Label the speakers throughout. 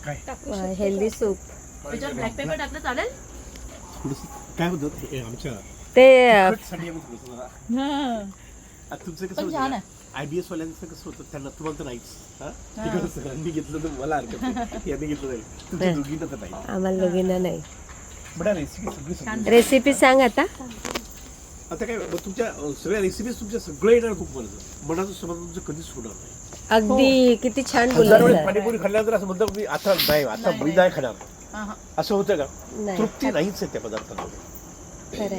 Speaker 1: काय
Speaker 2: healthy soup.
Speaker 3: त्याच्यावर black pepper टाकलं चालेल?
Speaker 1: काय होतं आमच्या
Speaker 2: ते
Speaker 1: साठी आम्ही थोडंसं जरा आता तुमचं कसं
Speaker 3: पण छान
Speaker 1: होतं
Speaker 3: आहे.
Speaker 1: IBS वाल्यांचं कसं होतं त्यांना तुम्हाला तर नाहीच तिकडं सगळ्यांनी घेतलं तर मला हरकत नाही यांनी घेतलं नाही तुमच्या दोघींना तर नाही
Speaker 2: आम्हाला दोघींना नाही.
Speaker 1: बडा रेसिपी सगळी सगळी
Speaker 2: रेसिपी सांग आता.
Speaker 1: आता काय मग तुमच्या सगळ्या रेसिपीज तुमच्या सगळं येणार खूप मनाचं समाधान तुमचं कधीच होणार नाही.
Speaker 2: अगदी किती छान
Speaker 1: हजार
Speaker 2: बोलला
Speaker 1: वेळेस
Speaker 2: सर.
Speaker 1: पाणीपुरी खाल्ल्यानंतर असं म्हणतं मी आता नाही आता मी नाही खाणार असं होतं का
Speaker 2: नाही
Speaker 1: तृप्ती नाहीच आहे त्या पदार्थांमध्ये.
Speaker 2: खरंय.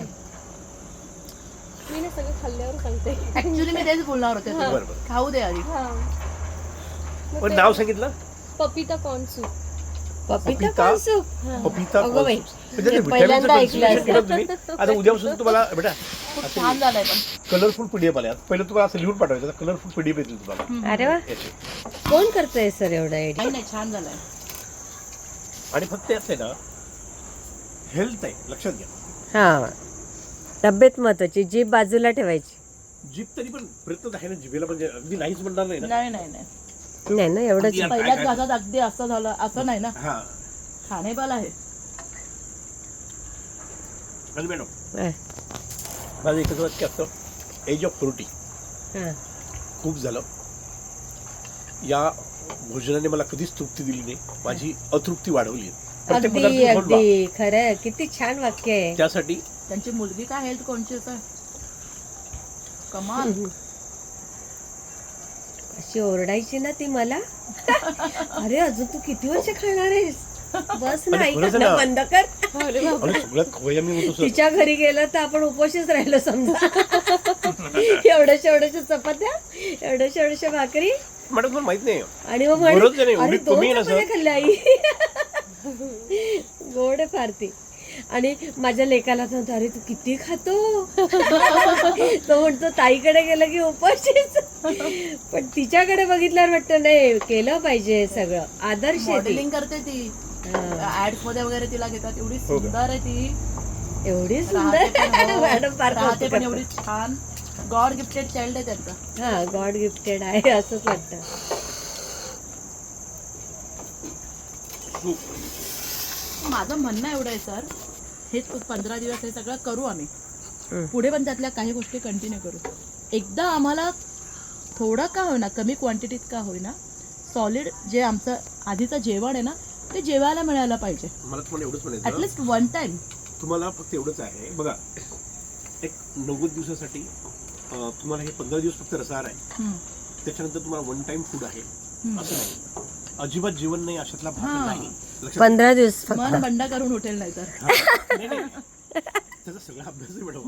Speaker 4: मी ना सगळं खाल्ल्यावर सांगते.
Speaker 3: ऍक्च्युली मी तेच बोलणार होते तुला.
Speaker 1: बरोबर
Speaker 3: खाऊ दे आधी.
Speaker 1: पण नाव सांगितलं
Speaker 4: पपिता कॉर्न सूप.
Speaker 2: पपिता कॉर्न सूप.
Speaker 1: पपिता
Speaker 2: अगं बाई.
Speaker 1: म्हणजे
Speaker 2: पहिल्यांदा ऐकलं असं.
Speaker 1: तुम्ही आता उद्यापासून तुम्हाला बेटा
Speaker 3: खूप छान झालंय पण.
Speaker 1: कलरफुल PDF आल्या पहिलं तुम्हाला असं लिहून पाठवायचं कलरफुल PDF येतील तुम्हाला
Speaker 2: अरे वा.
Speaker 1: याचे.
Speaker 2: कोण करतोय सर एवढा एडिट?
Speaker 3: नाही नाही छान झालंय.
Speaker 1: आणि फक्त याच आहे ना हेल्थ आहे लक्षात घ्या.
Speaker 2: हा तब्येत महत्वाची. जीभ बाजूला ठेवायची.
Speaker 1: जीभ तरी पण प्रयत्न आहे ना जिभेला म्हणजे अगदी नाहीच म्हणणार नाही ना.
Speaker 3: नाही नाही नाही
Speaker 2: नाही ना एवढंच.
Speaker 1: अगदी
Speaker 3: पहिल्याच घासात अगदी असं झालं असं नाही ना.
Speaker 1: हा
Speaker 3: खाणेबाल आहे.
Speaker 1: आणि मॅडम
Speaker 2: हा.
Speaker 1: माझं एकच वाक्य असतं एज ऑफ 40
Speaker 2: हा.
Speaker 1: खूप झालं. या भोजनाने मला कधीच तृप्ती दिली नाही माझी अतृप्ती वाढवली आहे. प्रत्येक
Speaker 2: अगदी
Speaker 1: पदार्थ खाऊन पहा.
Speaker 2: अगदी खरंय. किती छान वाक्य आहे.
Speaker 1: त्यासाठी
Speaker 3: त्यांची मुलगी काय हेल्थ कॉन्शियस आहे. कमाल.
Speaker 2: अशी ओरडायची ना ती मला. अरे अजून तू किती वर्ष खाणार आहेस? बस ना
Speaker 1: आणि
Speaker 2: ऐक
Speaker 1: खरंच
Speaker 2: ना
Speaker 1: ना.
Speaker 2: बंद कर.
Speaker 4: अरे बाबा.
Speaker 1: आणि सगळ्यात खवय्या मी होतो सर.
Speaker 2: तिच्या घरी गेलं तर आपण उपोषीच राहिलो समजा. एवढ्याशा चपात्या, एवढ्याशा भाकरी
Speaker 1: मॅडम तुम्हाला माहित नाही
Speaker 2: आणि मग
Speaker 1: बरोबर नाही,
Speaker 2: अरे
Speaker 1: एवढी
Speaker 2: 2
Speaker 1: कमी आहे ना, सर?
Speaker 2: चपात्या खाल्ल्या आई. गोड आहे फार ती. आणि माझ्या लेकाला तर अरे तू किती खातो. तो म्हणतो ताईकडे गेलं की उपाशीच. पण तिच्याकडे बघितल्यावर वाटतं नाही केलं पाहिजे सगळं. आदर्श आहे ती.
Speaker 3: मॉडेलिंग करते ती.
Speaker 2: हा.
Speaker 3: ऍड्स मध्ये वगैरे तिला घेतात. एवढी
Speaker 1: हो का?
Speaker 3: सुंदर आहे ती.
Speaker 2: एवढी
Speaker 3: राहते
Speaker 2: सुंदर.
Speaker 3: पण हो.
Speaker 2: मॅडम फार
Speaker 3: राहते
Speaker 2: कौतुक
Speaker 3: पण
Speaker 2: करतात.
Speaker 3: एवढी छान. गॉड गिफ्टेड चाइल्ड आहे त्यांचं.
Speaker 2: हा गॉड गिफ्टेड आहे असंच वाटतं.
Speaker 3: माझं म्हणणं एवढं आहे सर हेच 15 दिवस हे सगळं करू आम्ही.
Speaker 2: हम्म.
Speaker 3: पुढे पण त्यातल्या काही गोष्टी कंटिन्यू करू. एकदा आम्हाला थोडं का होईना कमी क्वांटिटीत का होईना सॉलिड जे आमचं आधीचं जेवण आहे ना ते जेवायला मिळायला पाहिजे.
Speaker 1: मला तुम्हाला एवढंच म्हणायचं
Speaker 3: ऍटलिस्ट वन टाइम.
Speaker 1: तुम्हाला फक्त एवढंच आहे बघा एक 90 दिवसासाठी तुम्हाला हे 15 दिवस फक्त रसाहार आहे त्याच्यानंतर तुम्हाला वन टाइम फूड आहे असं नाही. अजिबात जेवण नाही अशातला भाग
Speaker 3: हा.
Speaker 1: नाही. लक्षात
Speaker 2: 15 दिवस फक्त.
Speaker 3: मन बंड करून उठेल नाही तर.
Speaker 1: नाही, नाही. त्याचा सगळा अभ्यास आहे मॅडम.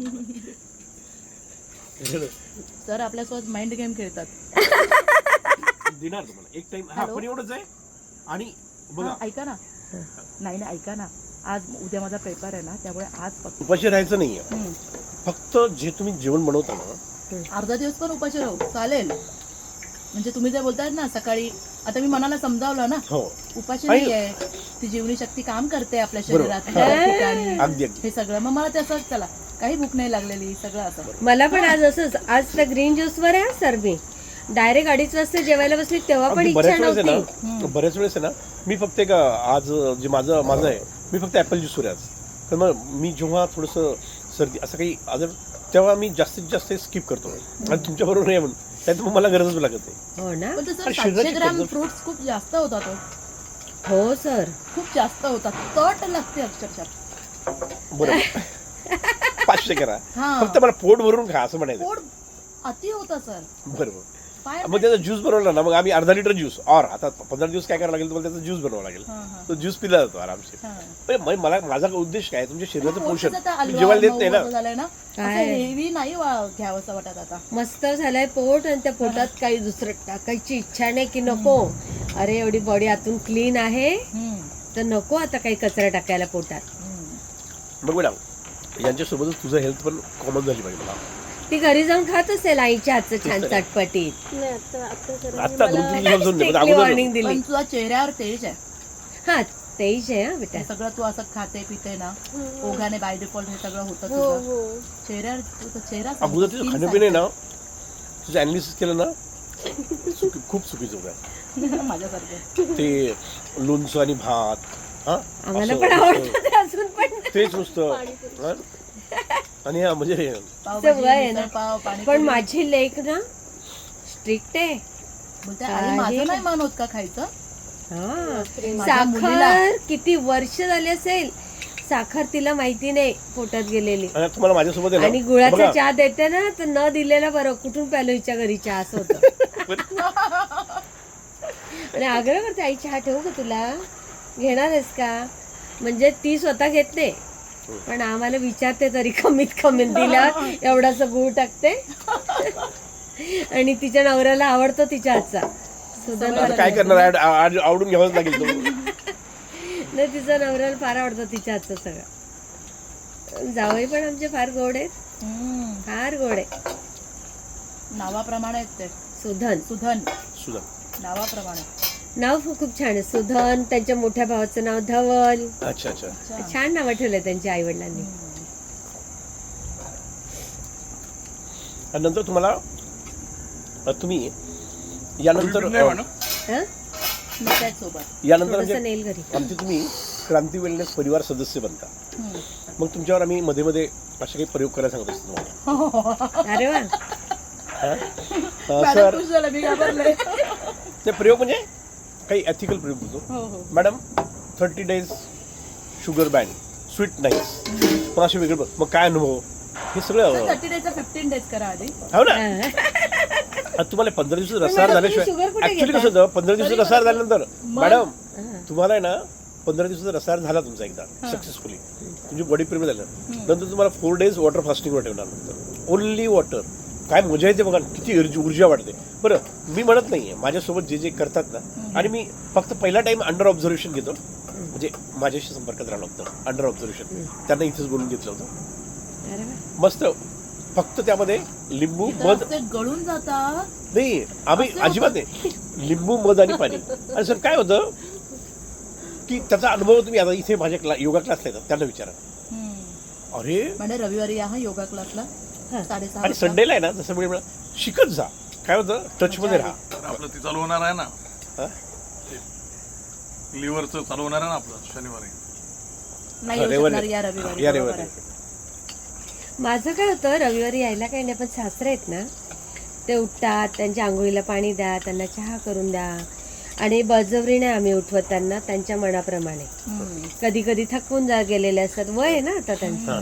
Speaker 3: सर आपल्यासोबत माइंड गेम खेळतात.
Speaker 1: देणार तुम्हाला एक टाइम हा पण एवढंच आहे. आणि बघा
Speaker 3: हा, ऐका ना. नाही नाही ऐका ना. आज उद्या माझा पेपर आहे ना त्यामुळे आज फक्त
Speaker 1: उपाशी राहायचं नाहीये. फक्त जे तुम्ही जेवण बनवता ना
Speaker 3: अर्धा दिवस पण उपाशी राहू चालेल. म्हणजे तुम्ही जे बोलतायत ना सकाळी आता मी मनाला समजावलं ना
Speaker 1: हो
Speaker 3: उपाशी
Speaker 1: आणि-
Speaker 3: नाहीये. ती जीवनीशक्ती काम करते आपल्या
Speaker 1: बरोबर.
Speaker 3: शरीरात प्रत्येक ठिकाणी.
Speaker 1: अगदी अगदी
Speaker 3: हे सगळं मग मला त्याचं चला काही भूक नाही लागलेली सगळं असं.
Speaker 2: मला पण आज असंच. आज तर ग्रीन ज्यूस वर आहे सर. मी डायरेक्ट 2:30 वाजता जेवायला बसली तेव्हा पण
Speaker 1: अगदी
Speaker 2: इच्छा
Speaker 1: बऱ्याच वेळेस आहे
Speaker 2: नव्हती.
Speaker 1: ना बऱ्याच वेळेस आहे ना मी फक्त एक आज जे माझं आहे मी फक्त ॲपल ज्यूस वर आहे आज. तर मग मी जेव्हा थोडंसं सर्दी असं काही आजार तेव्हा मी जास्तीत जास्त स्किप करतो आणि तुमच्या बरोबर नाही म्हणून त्यात मग मला गरजच लागत नाही.
Speaker 2: हो ना.
Speaker 3: पण ते सर
Speaker 1: आणि
Speaker 3: 700
Speaker 1: शरीराची
Speaker 3: ग्रॅम
Speaker 1: पद्धत-
Speaker 3: फ्रुट्स खूप जास्त होता तो.
Speaker 2: हो सर.
Speaker 3: खूप जास्त होता. तट लागते अक्षरशः.
Speaker 1: बरोबर 500 करा
Speaker 3: हा.
Speaker 1: फक्त मला पोट भरून खा असं म्हणायचं.
Speaker 3: पोट अति होता सर.
Speaker 1: बरोबर.
Speaker 3: पाय
Speaker 1: मग त्याचा ज्यूस बनवला ना मग आम्ही अर्धा लिटर ज्यूस और आता 15 दिवस काय करावं लागेल तुम्हाला त्याचा ज्यूस बनवावा लागेल.
Speaker 3: हा, हा.
Speaker 1: तो ज्यूस पिला जातो आरामशीर.
Speaker 3: हा.
Speaker 1: म्हणजे मला माझा उद्देश काय तुमच्या शरीराचं पोषण
Speaker 3: आता
Speaker 1: मी
Speaker 3: हलवा,
Speaker 1: जेवायला देत
Speaker 3: मऊ
Speaker 1: नाही ना.
Speaker 3: असं झालंय ना असं
Speaker 2: काय?
Speaker 3: हेवी नाही घ्यावंसं वाटत आता.
Speaker 2: मस्त झालंय पोट आणि त्या पोटात काही दुसरं टाकायची इच्छा नाही की नको. अरे एवढी बॉडी आतून क्लीन आहे तर नको आता काही कचरा टाकायला पोटात.
Speaker 1: बघ मॅडम यांच्यासोबतच तुझं हेल्थ पण कॉमन झाली पाहिजे मला.
Speaker 2: ती घरी जाऊन खात असेल आईच्या हातचं छान चटपटीत.
Speaker 4: नाही आता सर
Speaker 1: आता 2-3 दिवसापासून नाही, पण
Speaker 2: स्ट्रिक्टली
Speaker 1: अगोदर
Speaker 2: वॉर्निंग दिली.
Speaker 3: पण तुझा चेहऱ्यावर तेज आहे.
Speaker 2: हा तेज आहे हा बेटा.
Speaker 3: हे सगळं तू असं खाते पिते ना ओघाने बाय डिफॉल्ट हे सगळं होतं
Speaker 4: हो
Speaker 3: तुझं
Speaker 4: हो.
Speaker 3: चेहऱ्यावर तुझा चेहरा
Speaker 1: अगोदर तुझं खाणं पिणे ना तुझं अनालिसिस केलं ना खूप चुकीचं होतं
Speaker 3: माझ्यासारखं.
Speaker 1: ते लोणचं आणि भात हा
Speaker 2: आम्हाला
Speaker 1: असं
Speaker 2: पण
Speaker 1: नुसतं-
Speaker 2: आवडतं ते अजून पण.
Speaker 1: तेच नुसतं हा? आणि हा म्हणजे
Speaker 3: पावभाजी,
Speaker 2: वय आहे ना.
Speaker 3: मिसळपाव,
Speaker 2: पण
Speaker 3: पाणीपुरी.
Speaker 2: माझी लेक ना स्ट्रिक्ट आहे.
Speaker 3: बोलते, आई माझं नाही मन होत का खायचं?
Speaker 2: हा.
Speaker 3: माझ्या मुलीला.
Speaker 2: साखर किती वर्ष झाली असेल, साखर तिला माहिती नाही पोटात गेलेली.
Speaker 1: आणि तुम्हाला माझ्यासोबत आहे ना,
Speaker 2: आणि गुळाचा
Speaker 1: बघा,
Speaker 2: चहा देते ना तर न दिलेला बरं, कुठून प्यालो हिच्या घरी चहा असं होतं. आणि आग्रह करते, आई चहा ठेवू का तुला, घेणार आहेस का? म्हणजे ती स्वतः घेत नाही, पण आम्हाला विचारते तरी कमीत कमी दिला एवढासा गुळ टाकते. आणि तिच्या नवऱ्याला आवडतो तिच्या हातचा सुद्धा.
Speaker 1: आता काय करणार आवडून घ्यावंच लागेल तो.
Speaker 2: नाही, तिचा नवऱ्याला फार आवडतं तिच्या हातचं सगळं. जावई पण आमचे फार गोड आहेत, फार गोड आहे.
Speaker 3: नावाप्रमाणे आहेत ते.
Speaker 2: सुधन
Speaker 3: सुधन
Speaker 1: सुद्धा
Speaker 3: नावाप्रमाणे.
Speaker 2: नाव खूप छान आहे. सुधन, त्यांच्या मोठ्या भावाचं नाव धवल.
Speaker 1: अच्छा अच्छा.
Speaker 2: छान नावं ठेवलंय त्यांच्या आई वडिलांनी.
Speaker 1: आणि नंतर तुम्हाला तुम्ही यानंतर
Speaker 3: सोबत
Speaker 1: यानंतर
Speaker 2: थोडंसं
Speaker 1: म्हणजे
Speaker 2: नेल घरी.
Speaker 1: आमचे तुम्ही क्रांती वेलनेस परिवार सदस्य बनता. मग तुमच्यावर आम्ही मध्ये मध्ये असे काही प्रयोग करायला सांगत असतो तुम्हाला.
Speaker 2: अरे वा.
Speaker 1: सर ते प्रयोग म्हणजे काही एथिकल प्रयोग होतो. Madam 30 days sugar ban, sweet nights, पण असे वेगळे मग काय अनुभव हे सगळं
Speaker 3: 30 days 15 days करा आधी.
Speaker 1: हो ना. आता तुम्हाला 15 दिवस रसाळ झाल्याशिवाय
Speaker 2: शुगर कुठे
Speaker 1: ऍक्च्युली
Speaker 2: घेता?
Speaker 1: कसं होतं, 15 दिवस रसाळ झाल्यानंतर मॅडम तुम्हाला आहे ना 15 दिवसाचा रसाळ झाला तुमचा एकदा सक्सेसफुली, तुमची बॉडी प्रिपेअर झालं, नंतर तुम्हाला 4 days वॉटर फास्टिंगवर ठेवणार, नंतर ओनली वॉटर. काय मजा येते बघा, किती ऊर्जा वाटते. बरं, मी म्हणत नाहीये, माझ्यासोबत जे जे करतात ना, आणि मी फक्त पहिला टाइम अंडर ऑब्झर्वेशन घेतो, म्हणजे माझ्याशी संपर्कात राहिलं होतं अंडर ऑब्झर्वेशन, त्यांना इथेच बोलून घेतलं होतं.
Speaker 2: अरे वा.
Speaker 1: मस्त. फक्त त्यामध्ये लिंबू, मध
Speaker 3: ते गळून जातात.
Speaker 1: नाही, आम्ही अजिबात नाही, लिंबू, मध आणि पाणी. आणि सर काय होतं की त्याचा अनुभव तुम्ही आता इथे माझ्या योगा क्लासला येतात त्यांना विचारा. अरे
Speaker 3: म्हणजे रविवारी या हा योगा क्लासला 6:30
Speaker 1: आणि संडेला आहे ना जसं वेळ शिकत जा. काय होतं, टच मध्ये राहा.
Speaker 5: आपलं ते चालू होणार आहे ना,
Speaker 1: हा?
Speaker 5: लिव्हरचं चालू होणार आहे ना आपलं शनिवारी.
Speaker 3: नाही येऊ शकणार या रविवारी.
Speaker 1: या
Speaker 3: बरोबर
Speaker 1: रविवारी.
Speaker 3: आहे.
Speaker 2: माझं काय होतं, रविवारी यायला काही नाही, पण सासरे आहेत ना, ते उठतात, त्यांच्या आंघोळीला पाणी द्या, त्यांना चहा करून द्या, आणि बळजबरीने आम्ही उठवत त्यांना त्यांच्या मनाप्रमाणे. कधी कधी थकून गेलेले असतात, वय आहे ना आता त्यांचं.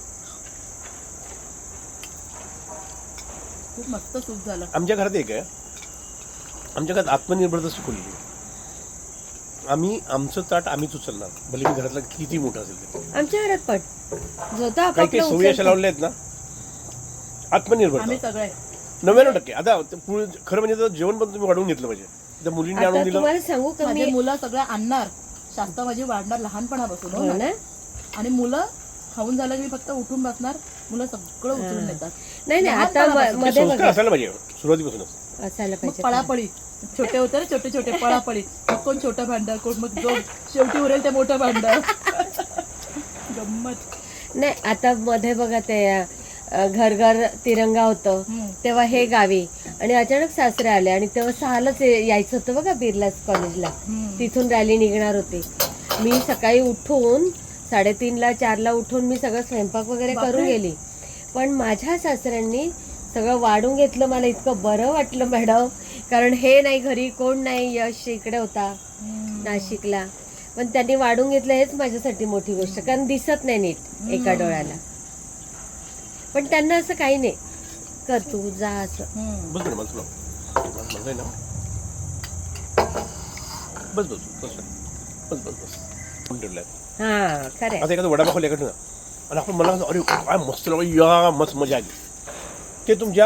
Speaker 3: खूप मस्त सूप झालं.
Speaker 1: आमच्या घरात एक आहे, आमच्या घरात आत्मनिर्भरता शिकवली. आम्ही आमचं ताट आम्हीच उचलणार, भले मी घरातला किती मोठं असेल ते.
Speaker 2: आमच्या घरात पण जो तो
Speaker 1: काही
Speaker 2: आपापला
Speaker 1: काही सवयी अशा
Speaker 2: उचलतो.
Speaker 1: लावल्या आहेत ना,
Speaker 3: आम्ही
Speaker 1: आत्मनिर्भरता
Speaker 3: सगळे
Speaker 1: 99%. आता खरं म्हणजे तर जेवण पण तुम्ही वाढवून घेतलं पाहिजे. त्या मुलींनी आणून
Speaker 2: आता
Speaker 1: दिलं.
Speaker 2: तुम्हाला सांगू का
Speaker 3: माझे
Speaker 2: मी,
Speaker 3: मुलं सगळं आणणार, शास्त्र माझी वाढणार लहानपणापासून.
Speaker 2: हो ना.
Speaker 3: आणि मुलं खाऊन झालं की मी फक्त उठून बसणार, मुलं सगळं उचलून नेतात.
Speaker 2: नाही नाही, आता
Speaker 3: लहानपणापासून.
Speaker 1: ते
Speaker 2: मध्ये
Speaker 1: संस्कार
Speaker 2: बघा
Speaker 1: असायला पाहिजे सुरुवातीपासूनच.
Speaker 2: असायला
Speaker 3: मग
Speaker 2: पाहिजे.
Speaker 3: पळापळी, छोटे होते ना, छोटे छोटे पळापळी, मग कोण छोटं भांडं, कोण मग जो शेवटी उरेल ते मोठं भांडं. गंमत.
Speaker 2: नाही, आता मध्ये बघा ते घर घर तिरंगा होतं, तेव्हा हे गावी, आणि अचानक सासरे आले, आणि तेव्हा 6लाच यायचं होतं बघा बिर्लास कॉलेजला, तिथून रॅली निघणार होती. मी सकाळी उठून 3:30ला 4ला उठून मी सगळं स्वयंपाक वगैरे करून गेली, पण माझ्या सासऱ्यांनी सगळं वाढून घेतलं. मला इतकं बरं वाटलं मॅडम, कारण हे नाही घरी, कोण नाही, यश इकडे होता नाशिकला, पण त्यांनी वाढून घेतलं, हेच माझ्यासाठी मोठी गोष्ट, कारण दिसत नाही नीट एका डोळ्याला. पण त्यांना असं काही नाही, कर तू जा असं.
Speaker 1: बस बरं, मला म्हणलंय ना, बस बस बस बस बस बस ठेवलंय.
Speaker 2: हा खरंय.
Speaker 1: आता एखादा वडापाव खाल्ला का, आणि आपण मला अरे काय मस्त लागलं, या मस्त मजा आली. ते तुमच्या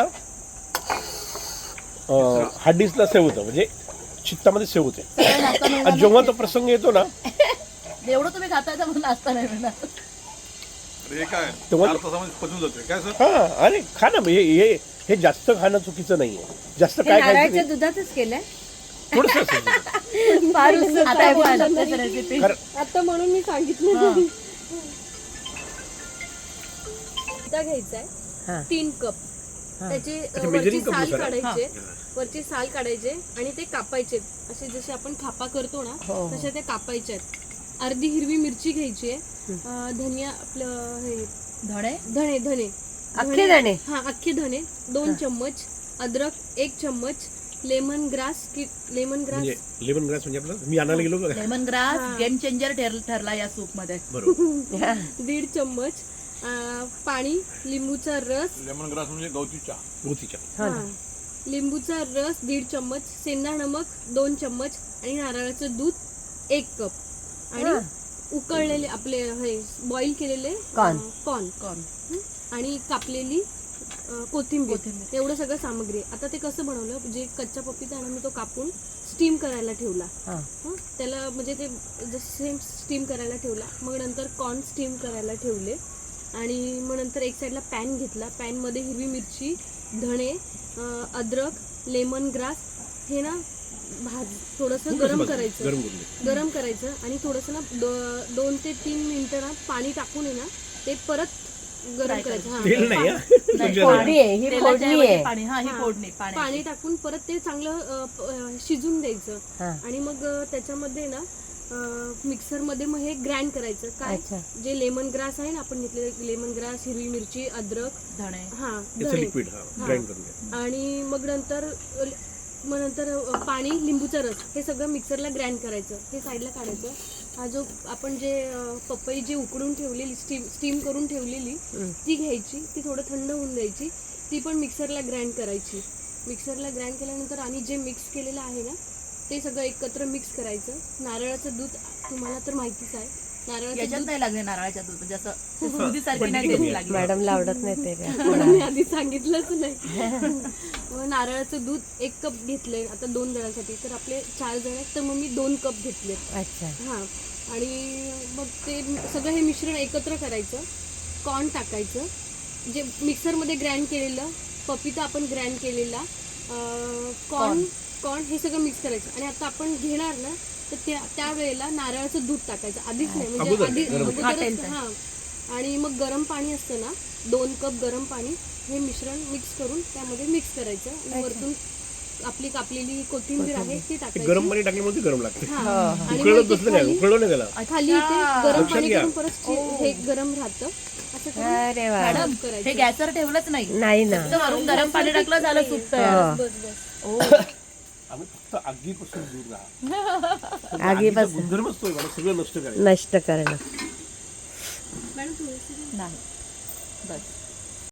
Speaker 1: हार्डिसला सेव होतं, म्हणजे चित्तामध्ये सेव होते. आणि जेव्हा तो प्रसंग येतो ना,
Speaker 3: एवढं तुम्ही खाता येतं म्हणून नाश्ता नाही मिळणार.
Speaker 5: अरे हे काय
Speaker 1: तेव्हा-
Speaker 5: 4 तासामध्ये पचून जाते काय सर.
Speaker 1: हा अरे खा ना, हे जास्त खाणं चुकीचं नाहीये. जास्त
Speaker 2: हे
Speaker 1: काय खायचं
Speaker 2: नारळाच्या
Speaker 1: नाही.
Speaker 2: दुधातच केलंय.
Speaker 1: थोडंसं
Speaker 2: फार उत्सुकता
Speaker 3: आता
Speaker 2: आहे
Speaker 3: बोलू
Speaker 2: पण.
Speaker 3: शकतेस रेसिपी.
Speaker 4: आता म्हणून मी सांगितलं.
Speaker 3: हा.
Speaker 4: दुधा घ्यायचा आहे
Speaker 2: हा.
Speaker 4: 3 कप. त्याचे
Speaker 1: अच्छा,
Speaker 4: वरची
Speaker 1: measuring cup
Speaker 4: साल
Speaker 1: नुसार.
Speaker 4: काढायचे वरची साल काढायचे आणि ते कापायचे असे जसे आपण खापा करतो ना
Speaker 2: हो.
Speaker 4: तसे ते कापायचे आहेत. अर्धी हिरवी मिरची घ्यायची आहे, धनिया आपलं हे
Speaker 3: धणे
Speaker 4: धणे धणे
Speaker 2: अख्खे धणे?
Speaker 4: हा अख्खे धणे 2 चम्मच, अद्रक 1 चम्मच, लेमन ग्रास
Speaker 1: म्हणजे लेमन ग्रास म्हणजे आपलं मी आणायला गेलो बघा.
Speaker 3: लेमन ग्रास गेम चेंजर ठरला या सूप मध्ये.
Speaker 1: बरोबर
Speaker 4: 1.5 चम्मच, पाणी, लिंबूचा रस,
Speaker 5: लेमन ग्रास म्हणजे गवती चहा.
Speaker 1: गोतीच्या
Speaker 4: हा, लिंबूचा रस 1.5 चम्मच, सेंधा नमक 2 चम्मच आणि नारळाचं दूध 1 कप आणि उकळलेले आपले हे बॉईल केलेले
Speaker 2: कॉर्न.
Speaker 4: कॉर्न आणि कापलेली कोथिंबीर एवढं सगळं सामग्री आहे. आता ते कसं बनवलं, जे कच्चा पपीता आहे ना मी तो कापून स्टीम करायला ठेवला. हं, त्याला म्हणजे ते सेम स्टीम करायला ठेवला. मग नंतर कॉर्न स्टीम करायला ठेवले आणि मग नंतर एक साईडला पॅन घेतला. पॅनमध्ये हिरवी मिरची, धणे, अद्रक, लेमन ग्रास हे ना थोडंसं गरम करायचं.
Speaker 1: गरम करून घे.
Speaker 4: गरम करायचं आणि थोडंसं ना 2 ते 3 मिनिटं ना पाणी टाकून आहे ना ते परत गरम करायचं. हा,
Speaker 1: तेल नाही हा.
Speaker 2: फोडणी आहे ही,
Speaker 3: तेलाच्या
Speaker 2: फोडणी
Speaker 3: ऐवजी
Speaker 2: आहे.
Speaker 3: पाणी, हा ही
Speaker 4: हा.
Speaker 3: फोडणी
Speaker 4: पाणी टाकून परत ते चांगलं शिजून द्यायचं
Speaker 2: हा.
Speaker 4: आणि मग त्याच्यामध्ये ना मिक्सरमध्ये मग हे ग्राइंड करायचं. काय
Speaker 2: अच्छा.
Speaker 4: जे लेमन ग्रास आहे ना आपण घेतलेलं लेमन ग्रास, हिरवी मिरची, अद्रक,
Speaker 3: धणे
Speaker 4: हा
Speaker 1: याचं
Speaker 4: धणे
Speaker 1: लिक्विड हा ग्राइंड करून घ्या.
Speaker 4: आणि मग नंतर पाणी, लिंबूचा रस हे सगळं मिक्सरला ग्राइंड करायचं. हे साईडला काढायचं. हा जो आपण जे पपई जे उकडून ठेवलेली स्टीम करून ठेवलेली ती घ्यायची, ती थोडं थंड होऊन द्यायची, ती पण मिक्सरला ग्राइंड करायची. मिक्सरला ग्राइंड केल्यानंतर आणि जे मिक्स केलेलं आहे ना ते सगळं एकत्र मिक्स करायचं. नारळाचं दूध तुम्हाला तर माहितीच आहे, नारळाचं
Speaker 3: याच्यात
Speaker 4: दूध
Speaker 3: नाही लागले नारळाच्या दूध म्हणजे असं स्मूदीसारखी नाही टेस्ट लागली.
Speaker 2: मॅडमला आवडत नाही ते काय.
Speaker 4: म्हणून मी आधी सांगितलंच नाही. मग नारळाचं दूध 1 कप घेतलंय आता 2 जणांसाठी, तर आपले 4 जण आहेत तर मग मी 2 कप घेतले.
Speaker 2: अच्छा.
Speaker 4: हां, आणि मग ते सगळं हे मिश्रण एकत्र करायचं. कॉर्न टाकायचं, जे मिक्सरमध्ये ग्राइंड केलेलं पपीता आपण ग्राइंड केलेला, कॉर्न हे सगळं मिक्स करायचं. आणि आता आपण घेणार ना तर त्या वेळेला नारळाचं दूध टाकायचं, आधीच नाही म्हणजे
Speaker 1: अगोदर,
Speaker 4: आधी
Speaker 1: गरम.
Speaker 4: अगोदरच. हां, आणि मग गरम पाणी असतं ना 2 कप गरम पाणी हे मिश्रण मिक्स करून त्यामध्ये मिक्स करायचं आणि वरतून आपली कापलेली कोथिंबीर आहे ती
Speaker 1: ते
Speaker 4: टाकायची.
Speaker 1: गरम पाणी टाकल्यामुळे ते गरम लागते.
Speaker 4: हां, आणि
Speaker 1: उकळत
Speaker 4: मग ते
Speaker 1: बसलं नाही, उकळलं नाही त्याला.
Speaker 4: खाली ते गरम
Speaker 1: लक्षात
Speaker 4: पाणी
Speaker 1: घ्या.
Speaker 4: करून परत हे गरम राहतं असं करून
Speaker 2: अरे वा.
Speaker 3: मॅडम
Speaker 4: करायचं.
Speaker 3: हे गॅसवर ठेवलंच नाही,
Speaker 2: नाही ना.
Speaker 3: फक्त वरून गरम पाणी टाकलं झालं सूप तयार.
Speaker 2: हो.
Speaker 1: आम्ही फक्त आगीपासून दूर राहा.
Speaker 2: आगीपासून
Speaker 1: गुणधर्मच तो आहे, मला सगळं नष्ट करायचं.
Speaker 2: नष्ट करणं.
Speaker 4: मॅडम थोडीशी
Speaker 3: नाही बस